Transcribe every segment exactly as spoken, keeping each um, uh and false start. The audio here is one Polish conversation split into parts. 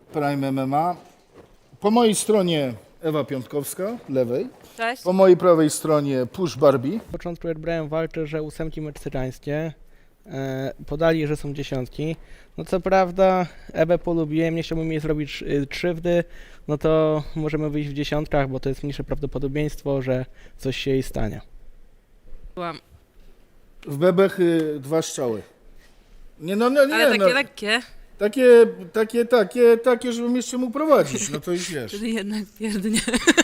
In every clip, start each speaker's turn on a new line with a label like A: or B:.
A: Prime M M A. Po mojej stronie Ewa Piątkowska, lewej.
B: Cześć.
A: Po mojej prawej stronie Push Barbie.
C: Na początku jak brałem walkę, że ósemki meksykańskie, e, podali, że są dziesiątki. No co prawda Ewę polubiłem, nie chciałbym jej zrobić y, krzywdy, no to możemy wyjść w dziesiątkach, bo to jest mniejsze prawdopodobieństwo, że coś się jej stanie.
B: Byłam.
A: W bebechy dwa strzały. Nie, no, no nie,
B: Ale takie
A: no.
B: lekkie,
A: Takie, takie, takie, takie, żebym jeszcze mógł prowadzić, no to już wiesz.
B: czyli jednak pierdnie.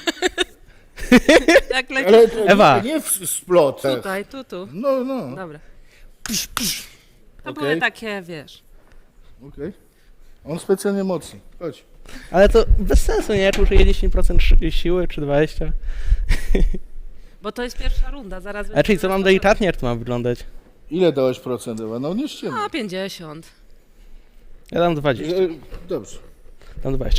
B: Jak lekkie.
A: Ale to
C: Ewa.
A: nie, nie w splot.
B: Tutaj, tu, tu.
A: No, no.
B: Dobra. To
A: Okej.
B: były takie, wiesz.
A: Okej. On specjalnie mocny. Chodź.
C: Ale to bez sensu, nie? Jak użyję dziesięć procent szy- siły czy dwadzieścia procent.
B: Bo to jest pierwsza runda, zaraz...
C: A czyli co mam delikatnie, jak to ma wyglądać?
A: Ile dałeś procent, Ewa? No nie ściemy.
B: A, pięćdziesiąt.
C: Ja dam dwadzieścia.
A: E, Dobrze.
C: Dam dwadzieścia.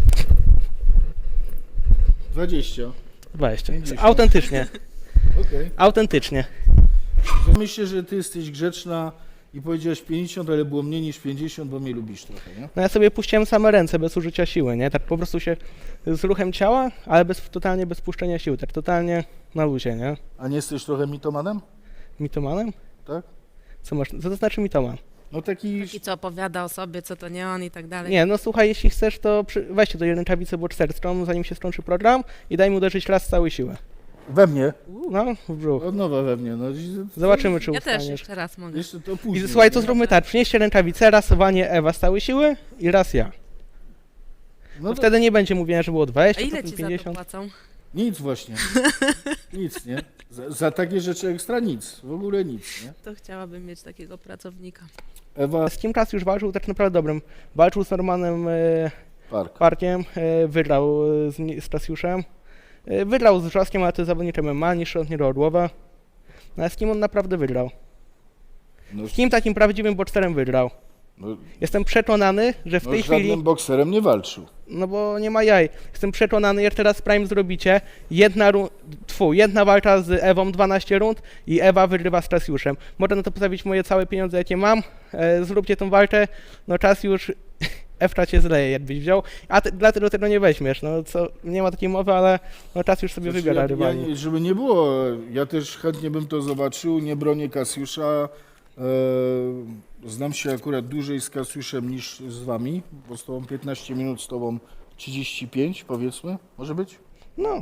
A: dwadzieścia.
C: dwadzieścia.
A: pięćdziesiąt.
C: Autentycznie.
A: Okej.
C: Autentycznie.
A: Myślę, że ty jesteś grzeczna i powiedziałaś pięćdziesiąt, ale było mniej niż pięćdziesiąt, bo mnie lubisz trochę, nie?
C: No ja sobie puściłem same ręce bez użycia siły, nie? Tak po prostu się z ruchem ciała, ale bez, totalnie bez puszczenia siły, tak totalnie na luzie, nie?
A: A nie jesteś trochę mitomanem?
C: Mitomanem?
A: Tak?
C: Co masz? Co to znaczy mitoman?
A: No taki...
B: I co opowiada o sobie, co to nie on i tak dalej.
C: Nie, no słuchaj, jeśli chcesz, to przy... weźcie do rękawicy boczerstwą, zanim się skończy program i daj mu uderzyć raz z całej siły.
A: We mnie?
C: No, w brzuch.
A: Od nowa we mnie, no.
C: Zobaczymy, czy
B: Ja też
C: ustaniesz.
B: jeszcze raz mogę.
A: Jeszcze to
C: I
A: później.
C: słuchaj, to zróbmy tak, przynieście rękawicę, raz wanie Ewa z całej siły i raz ja.
A: No
C: To
A: to
C: wtedy nie będzie mówienia, że było
B: A
C: dwadzieścia
B: ile
C: procent,
B: ci za to
C: pięćdziesiąt.
B: płacą?
A: nic właśnie. Nic, nie? Za, za takie rzeczy ekstra nic. W ogóle nic, nie?
B: To chciałabym mieć takiego pracownika.
A: Ewa
C: Z kim Kas już walczył tak naprawdę dobrym. Walczył z Normanem e,
A: Park.
C: Parkiem, e, wygrał e, z, ni- z Tasiuszem. E, wygrał z Wrzoskiem, ale to jest zawodnik M M A, niższy od niego Orłowa. No a z kim on naprawdę wygrał?
A: No,
C: Z kim takim prawdziwym boxerem wygrał?
A: no,
C: Jestem przekonany, że w
A: no
C: tej
A: z żadnym
C: chwili,
A: bokserem nie walczył.
C: no bo nie ma jaj, jestem przekonany, jak teraz Prime zrobicie, jedna, ru- tfu, jedna walka z Ewą, dwanaście rund i Ewa wygrywa z Tasiuszem. Można na to postawić moje całe pieniądze, jakie mam, e, zróbcie tą walkę, no czas już, Ewka cię zleje, jakbyś wziął, a ty, dlatego tego nie weźmiesz, no co, nie ma takiej mowy, ale no czas już sobie
A: Znaczy,
C: wybiera
A: ja,
C: rywali.
A: ja, nie- żeby nie było, ja też chętnie bym to zobaczył, nie bronię Kasiusza. E, znam się akurat dłużej z Kasiuszem niż z wami, bo z tobą piętnaście minut, z tobą trzydzieści pięć powiedzmy, może być?
C: No,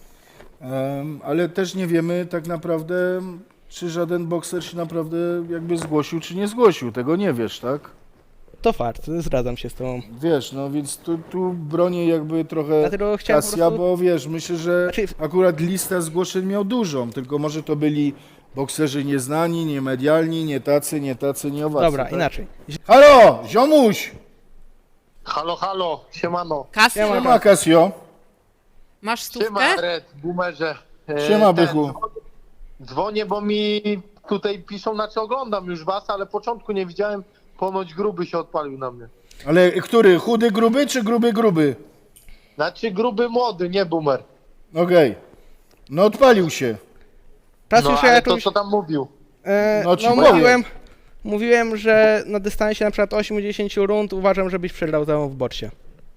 A: Em, ale też nie wiemy tak naprawdę, czy żaden bokser się naprawdę jakby zgłosił, czy nie zgłosił. Tego nie wiesz, tak?
C: to fakt, zgadzam się z tobą.
A: Wiesz, no więc tu, tu bronię jakby trochę
C: Dlatego chciałem po
A: Kasia,
C: prostu...
A: bo wiesz, myślę, że
C: Znaczy-
A: akurat lista zgłoszeń miał dużą, tylko może to byli bokserzy nieznani, niemedialni, nie tacy, nie tacy, nie owacy.
C: Dobra,
A: tak?
C: inaczej.
A: Halo, ziomuś!
D: Halo, halo, siemano.
B: Kasy,
C: Ja mam-
A: Siema, Kasio.
B: masz stówkę?
D: Siema, Red, boomerze. E,
A: Siema,
D: ten,
A: bychu.
D: Dzwonię, bo mi tutaj piszą, znaczy oglądam już was, ale początku nie widziałem, ponoć gruby się odpalił na mnie.
A: Ale który, chudy gruby, czy gruby gruby?
D: Znaczy gruby młody, nie boomer.
A: Okej. No odpalił się.
C: Czas
D: No
C: już
D: ale
C: ja
D: to
C: jakąś...
D: co tam mówił?
C: E,
A: No
C: no,
A: ci powiem.
C: mówiłem, mówiłem, że na dystansie na przykład osiem do dziesięciu rund uważam, żebyś przegrał całą w boksie.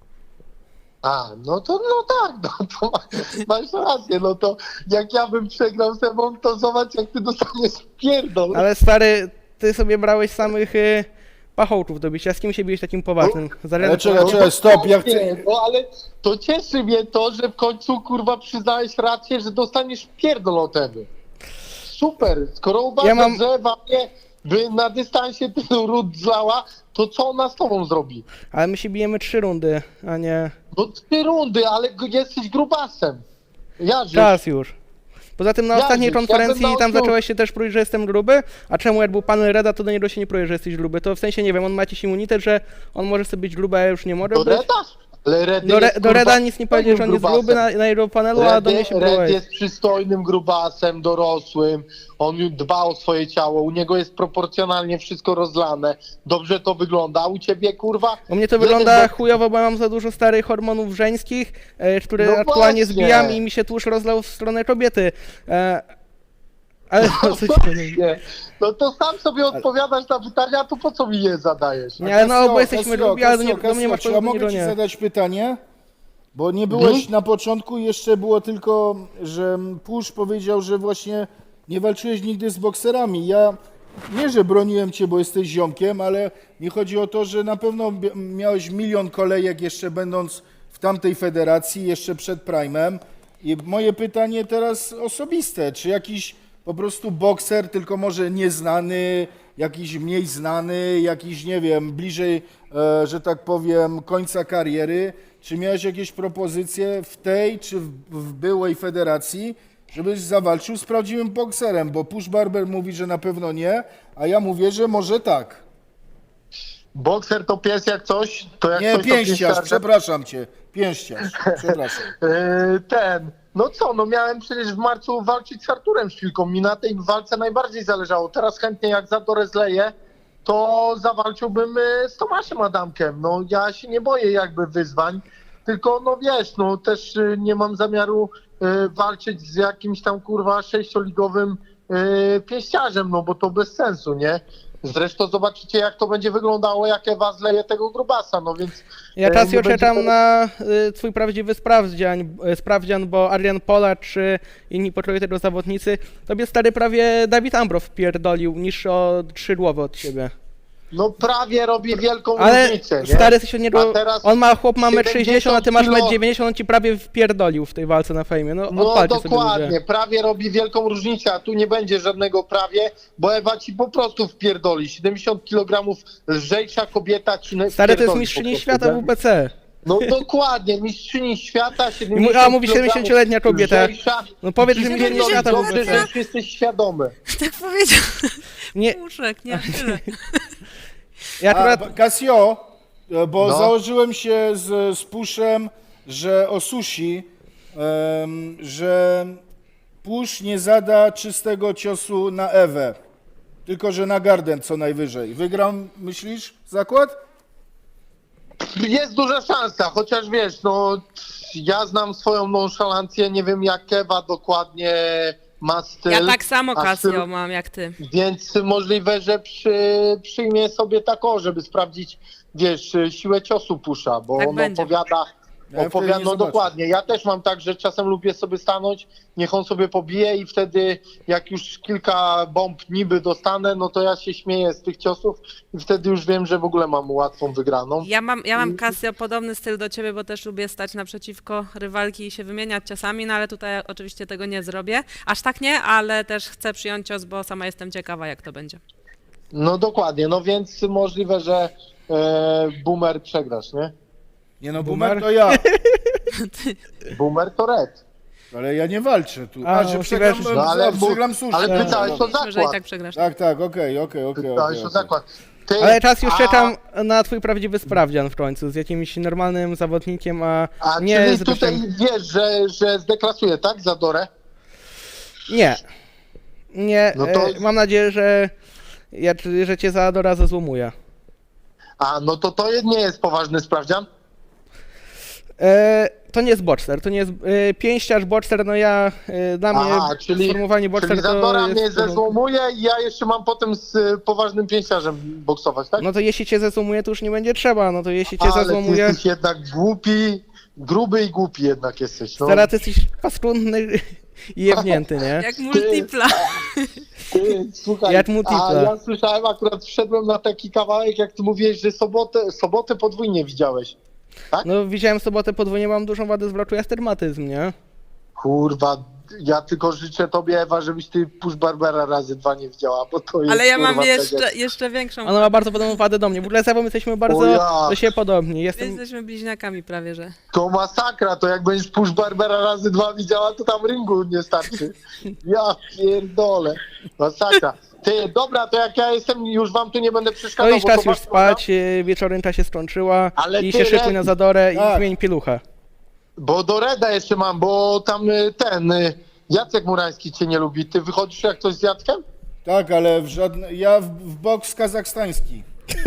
D: A, no to no tak, no to ma, masz rację, no to jak ja bym przegrał z Ewą, to zobacz jak ty dostaniesz pierdol.
C: Ale stary, ty sobie brałeś samych y, pachołków do bicia. Z kim się biłeś takim poważnym? Za
A: Ale
C: ręce-
A: czekaj, czekaj, stop, ja chcę...
D: Nie, no ale to cieszy mnie to, że w końcu kurwa przyznałeś rację, że dostaniesz pierdol od Ewy. Super, skoro uważasz,
C: Ja mam-
D: że Ewa mnie by na dystansie tylu rund zlała, to co ona z tobą zrobi?
C: Ale my się bijemy trzy rundy, a nie
D: No trzy rundy, ale g- jesteś grubasem. Ja żyję.
C: czas już. Poza tym na
D: Ja
C: ostatniej
D: już, ja
C: konferencji
D: bym dał
C: tam
D: tu-
C: zacząłeś się też próć, że jestem gruby, a czemu jak był pan Reda, to do niego się nie próje, że jesteś gruby. To w sensie nie wiem, on ma jakiś immunitet, że on może sobie być gruby, a ja już nie mogę
D: Do
C: być.
D: Reda? Ale Red
C: Do, Re,
D: jest,
C: do Reda
D: kurwa,
C: nic nie powiedział, że on jest
D: grubasem.
C: gruby na, na jego panelu, a do mnie
D: Red,
C: się
D: Red
C: próbuje.
D: jest przystojnym grubasem, dorosłym, on już dba o swoje ciało, u niego jest proporcjonalnie wszystko rozlane, dobrze to wygląda, a u ciebie kurwa...
C: U mnie to
D: jeden
C: wygląda
D: bok-
C: chujowo, bo mam za dużo starych hormonów żeńskich, e, które
D: No
C: aktualnie
D: właśnie.
C: zbijam i mi się tłuszcz rozlał w stronę kobiety. E, Ale no, co ci-
D: Nie. No to sam sobie odpowiadasz na pytania, to po co mi je zadajesz?
C: Nie, ale no,
A: Kasio,
C: bo jesteśmy
A: Kasio,
C: lubi, ale do, nie,
A: Kasio,
C: do mnie masz
A: Kasio, czy ja
C: powiedzieć,
A: mogę ci
C: nie.
A: zadać pytanie? Bo nie byłeś
D: Mhm.
A: na początku, jeszcze było tylko, że Pusz powiedział, że właśnie nie walczyłeś nigdy z bokserami. Ja nie, że broniłem cię, bo jesteś ziomkiem, ale mi chodzi o to, że na pewno bi- miałeś milion kolejek jeszcze będąc w tamtej federacji, jeszcze przed Prime'em. I moje pytanie teraz osobiste, czy jakiś po prostu bokser, tylko może nieznany, jakiś mniej znany, jakiś, nie wiem, bliżej, e, że tak powiem, końca kariery, czy miałeś jakieś propozycje w tej czy w, w byłej federacji, żebyś zawalczył z prawdziwym bokserem, bo Push Barber mówi, że na pewno nie, a ja mówię, że może tak.
D: Bokser to pies jak coś, to jak
A: Nie,
D: coś to
A: pięściarz,
D: pięściarz.
A: przepraszam cię, pięściarz, przepraszam.
D: Yy, ten, no co, no miałem przecież w marcu walczyć z Arturem Szpilką, mi na tej walce najbardziej zależało. Teraz chętnie jak Zadorę zleję, to zawalczyłbym yy, z Tomaszem Adamkiem. No ja się nie boję jakby wyzwań, tylko no wiesz, no też yy, nie mam zamiaru yy, walczyć z jakimś tam kurwa sześcioligowym yy, pięściarzem, no bo to bez sensu, nie? Zresztą zobaczycie jak to będzie wyglądało, jak Ewa zleje tego grubasa, no więc...
C: Ja
D: e,
C: teraz
D: nie
C: już
D: będzie
C: czekam
D: to-
C: na y, twój prawdziwy sprawdzian, y, sprawdzian, bo Adrian Pola czy inni poczuли tego zawodnicy, tobie stary prawie Dawid Ambrow wpierdolił, niż o trzy głowy od ciebie.
D: No prawie robi wielką
C: Ale
D: różnicę, nie?
C: stary jesteś od niego,
D: A teraz
C: on ma chłop ma metr sześćdziesiąt, a ty masz
D: siedemdziesiąt
C: metr dziewięćdziesiąt, on ci prawie wpierdolił w tej walce na fejmie, no,
D: No
C: odpalcie sobie
D: dokładnie,
C: ludzie.
D: prawie robi wielką różnicę, a tu nie będzie żadnego prawie, bo Ewa ci po prostu wpierdoli. siedemdziesiąt kilogramów lżejsza kobieta ci nie
C: Stary to jest
D: wpierdoli
C: mistrzyni
D: po prostu,
C: świata
D: nie?
C: w W B C.
D: No dokładnie, mistrzyni świata,
C: I
D: siedemdziesiąt
C: mu- a mówi
D: kilogramów
C: siedemdziesięcioletnia kobieta.
D: lżejsza.
C: No powiedz, że
D: Ci
C: mistrzyni
D: wpierdoli
C: świata w
D: dobrze,
C: W B
D: że
C: C.
D: już jesteś świadomy.
B: Tak powiedział.
C: Nie,
B: Puszek, nie tyle.
C: ja
A: A,
C: akurat...
A: Casio, bo
D: No.
A: założyłem się z, z Puszem, że o sushi, em, że Pusz nie zada czystego ciosu na Ewę, tylko że na Garden co najwyżej. Wygram, myślisz, zakład?
D: Jest duża szansa, chociaż wiesz, no ja znam swoją nonszalancję, nie wiem jak Ewa dokładnie ma styl.
B: Ja tak samo
D: a styl-
B: Casio mam jak ty.
D: Więc możliwe, że przy, przyjmie sobie taką, żeby sprawdzić, wiesz, siłę ciosu Pusza, bo
B: Tak
D: on
B: będzie.
D: opowiada,
A: Ja wtedy
D: opowiada,
A: nie
D: no
A: zobaczę.
D: dokładnie. Ja też mam tak, że czasem lubię sobie stanąć, niech on sobie pobije i wtedy jak już kilka bomb niby dostanę, no to ja się śmieję z tych ciosów i wtedy już wiem, że w ogóle mam łatwą wygraną.
B: Ja mam, ja mam Casio podobny styl do ciebie, bo też lubię stać naprzeciwko rywalki i się wymieniać ciosami, no ale tutaj oczywiście tego nie zrobię. Aż tak nie, ale też chcę przyjąć cios, bo sama jestem ciekawa, jak to będzie.
D: No dokładnie, no więc możliwe, że e, Boomer przegrasz, nie?
A: Nie no,
C: Boomer?
A: Boomer to ja,
D: Boomer to red.
A: ale ja nie walczę tu.
C: A,
A: A, że
C: no,
A: przegram,
C: wiesz,
D: No ale,
A: że przegram sushi.
D: ale
A: Tak,
D: pytałeś
A: dobra.
D: o
B: Myślę, że i
D: zakład.
B: tak przegrasz.
A: Tak, tak, okej, okej, okej.
D: Pytałeś
A: okej,
D: o
A: okej.
D: zakład. Ty,
C: Ale teraz już
D: a-
C: czekam na twój prawdziwy sprawdzian w końcu, z jakimś normalnym zawodnikiem, a,
D: A
C: nie
D: czyli
C: z
D: tutaj
C: Ryszem.
D: wiesz, że, że zdeklasuje, tak, Zadorę?
C: Nie. Nie,
D: No to-
C: e, mam nadzieję, że, ja, że cię za do razu złomuję.
D: A, no to to nie jest poważny sprawdzian?
C: E, to nie jest boxer, to nie jest e, pięściarz, boxer, no ja, e, dla mnie
D: Aha, czyli,
C: sformułowanie boxer
D: czyli
C: to
D: Zadora
C: jest...
D: mnie zezłomuje i ja jeszcze mam potem z y, poważnym pięściarzem boksować, tak?
C: No to jeśli cię zezłomuje, to już nie będzie trzeba, no to jeśli cię
D: Ale ty
C: zezłomuje...
D: jesteś jednak głupi, gruby i głupi jednak jesteś. No.
C: Teraz ty jesteś paskudny i jebnięty, nie?
B: Jak multipla.
D: Ty, słuchaj,
C: Jak multipla.
D: a ja słyszałem, akurat wszedłem na taki kawałek, jak ty mówiłeś, że sobotę, sobotę podwójnie widziałeś.
C: No widziałem w sobotę podwójnie, mam dużą wadę zwrotu i astygmatyzm, nie?
D: Kurwa, ja tylko życzę tobie, Ewa, żebyś ty Push Barbera razy dwa nie widziała, bo to jest
B: Ale ja
D: kurwa,
B: mam
D: tak
B: jeszcze,
D: jak-
B: jeszcze większą.
C: Ona ma bardzo podobną wadę do mnie. W ogóle z Ewą jesteśmy bardzo
D: O ja.
C: do siebie podobni. Jestem...
B: Jesteśmy bliźniakami prawie, że.
D: To masakra, to jak będziesz Push Barbera razy dwa widziała, to tam ringu nie starczy. Ja pierdolę. Masakra. Ty, dobra, to jak ja jestem, już wam tu nie będę
C: No
D: przeszkadzał.
C: i
D: bo
C: czas
D: to
C: już
D: was-
C: spać, e, wieczorynka się skończyła
D: Ale
C: i
D: ty,
C: się szykuj
D: Red-
C: na Zadorę i
A: Tak.
C: zmień pieluchę.
D: Bo do Reda jeszcze mam, bo tam y, ten y, Jacek Murański cię nie lubi. Ty wychodzisz jak coś z Jackiem?
A: Tak, ale w żadne... ja w, w boks kazachstański.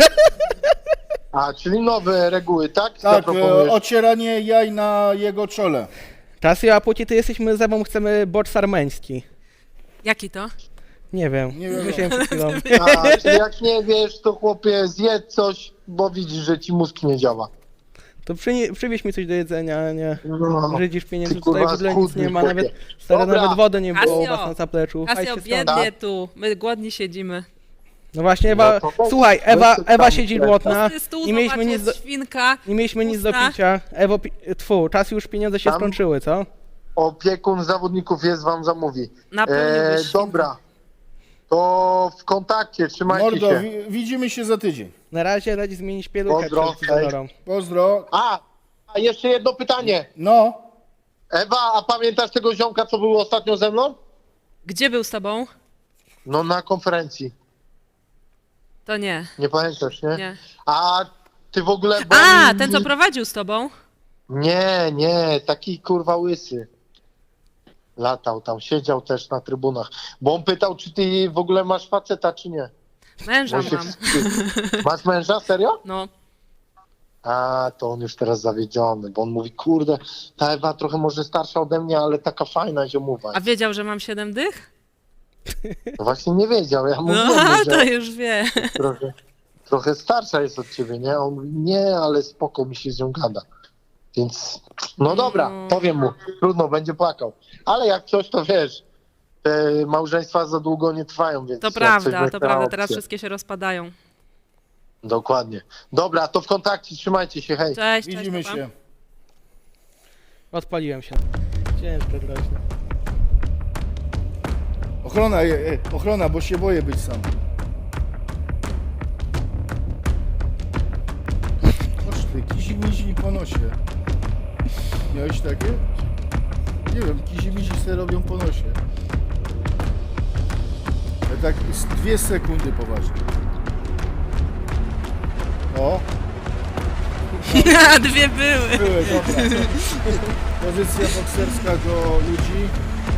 D: A, czyli nowe reguły, tak?
A: Tak,
D: Zaproponujesz.
A: e, ocieranie jaj na jego czole.
C: Czas, a póki ty jesteśmy z Ewą, chcemy boks armeński.
B: Jaki to?
C: Nie wiem,
A: Nie wiem.
C: myślałem przed chwilą.
D: A, czyli jak nie wiesz, to chłopie zjedz coś, bo widzisz, że ci mózg nie działa.
C: To przynie, przywieź mi coś do jedzenia, a nie
D: No.
C: żydzisz pieniędzy,
D: Ty,
C: tutaj w
D: kurwa,
C: ogóle nic
D: schudny
C: nie ma,
D: chłopie.
C: nawet stare,
D: Dobra.
C: nawet wody nie było u
B: Kasio,
C: was na zapleczu.
B: Kasio,
C: Fajcie stąd.
B: biednie tu, my głodni siedzimy.
C: No właśnie, Ewa,
D: No to weź-
C: słuchaj,
D: weź
C: Ewa,
D: to
C: Ewa
D: tam,
C: siedzi
D: tak.
C: głodna,
B: Pusty stół,
C: nie mieliśmy
B: zobacz,
C: nic
B: jest
C: do,
B: świnka.
C: nie mieliśmy nic do
B: pusta.
C: picia. Ewo, pi, tfu, czas już, pieniądze się
D: Tam?
C: skończyły, co?
D: Opiekun zawodników jest, wam zamówi.
B: Napełniłbyś
D: E,
B: świnkę.
D: dobra, to w kontakcie, trzymajcie
A: Mordo,
D: się.
A: wi- widzimy się za tydzień.
C: Na razie radzi zmienić pieluchę
D: Pozdro,
C: przed
D: hej.
C: Izodorą.
A: Pozdro.
D: A, a jeszcze jedno pytanie.
A: No,
D: Ewa, a pamiętasz tego ziomka, co był ostatnio ze mną?
B: Gdzie był z tobą?
D: No na konferencji.
B: To nie,
D: Nie pamiętasz, nie?
B: nie.
D: A ty w ogóle... bo
B: A,
D: mi-
B: ten co prowadził z tobą?
D: Nie, nie, taki kurwa łysy. Latał tam, siedział też na trybunach. Bo on pytał, czy ty w ogóle masz faceta, czy nie.
B: Męża
D: Bo się
B: mam.
D: wstyd. Masz męża, serio?
B: No,
D: A, to on już teraz zawiedziony, bo on mówi, kurde, ta Ewa trochę może starsza ode mnie, ale taka fajna ziomowa.
B: a wiedział, że mam siedem dych?
D: No właśnie nie wiedział, ja mówiłem,
B: No,
D: mu,
B: to
D: że
B: już wie.
D: trochę, trochę starsza jest od ciebie, nie? On mówi, nie, ale spoko, mi się z nią gada. Więc, no dobra,
B: No.
D: powiem mu, trudno, będzie płakał. Ale jak coś, to wiesz, te małżeństwa za długo nie trwają, więc...
B: To
D: jak coś
B: prawda,
D: będzie
B: to
D: na
B: prawda, teraz
D: opcję.
B: wszystkie się rozpadają.
D: Dokładnie. Dobra, to w kontakcie, trzymajcie się, hej.
B: Cześć, cześć,
A: widzimy
B: papa.
A: się.
C: Odpaliłem się. Ciężko groźne.
A: Ochrona, e, e, ochrona, bo się boję być sam. Chodź ty, kizimizi po nosie. Miałeś takie? Nie wiem, kizimizi se robią po nosie. Ale tak z dwie sekundy poważnie. O,
B: Dwie były.
A: były, dobra. Pozycja bokserska do ludzi.